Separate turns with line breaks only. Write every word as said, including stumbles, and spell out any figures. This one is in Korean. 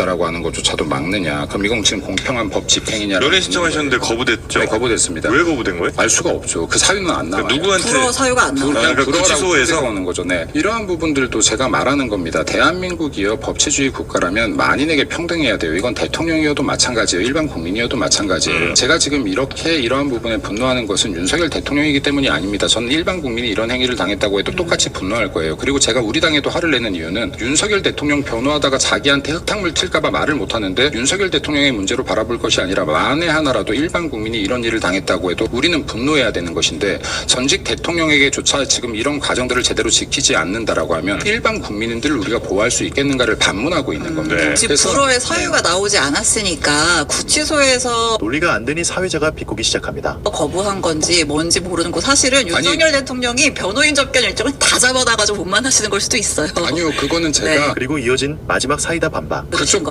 있다라고 하는 것조차도 막느냐. 그럼 이건 지금 공평한 법 집행이냐.
연애 신청하셨는데 거부됐죠?
네, 거부됐습니다.
왜 거부된 거예요?
알 수가 없죠. 그 사유는 안 나와요.
누구한테?
불어 사유가 안 나와요.
아, 그러니까 구치소에서
오는 거죠. 네. 이러한 부분들도 제가 말하는 겁니다. 대한민국이요 법치주의 국가라면 만인에게 평등해야 돼요. 이건 대통령이어도 마찬가지예요. 일반 국민이어도 마찬가지예요.
음.
제가 지금 이렇게 이러한 부분에 분노하는 것은 윤석열 대통령이기 때문이 아닙니다. 저는 일반 국민이 이런 행위를 당했다고 해도 똑같이 분노할 거예요. 그리고 제가 우리 당에도 화를 내는 이유는 윤석열 대통령 변호하다가 자기한테 흙탕물 튈까봐 말을 못하는데 윤석열 대통령의 문제로 바라볼 것이 아니라 만에 하나라도 일반 국민이 이런 일을 당했다고 해도 우리는 분노해야 되는 것인데 전직 대통령에게조차 지금 이런 과정들을 제대로 지키지 않는다라고 하면 일반 국민들을 우리가 보호할 수 있겠는가를 반문하고 있는 겁니다.
네.
지금
그래서
불어의 사유가 나오지 않았으니까 구치소에서
논리가 안 되니 사회자가 비꼬기 시작합니다.
거부한 건지 뭔지 모르는 거 사실은 윤석열 대통령이 변호인 접견 일정을 다 잡아놔가지고 못 만나시는 걸 수도 있어요.
아니요, 그거는 제가
네.
그리고 이어진 마지막 사이다 반박.
그쪽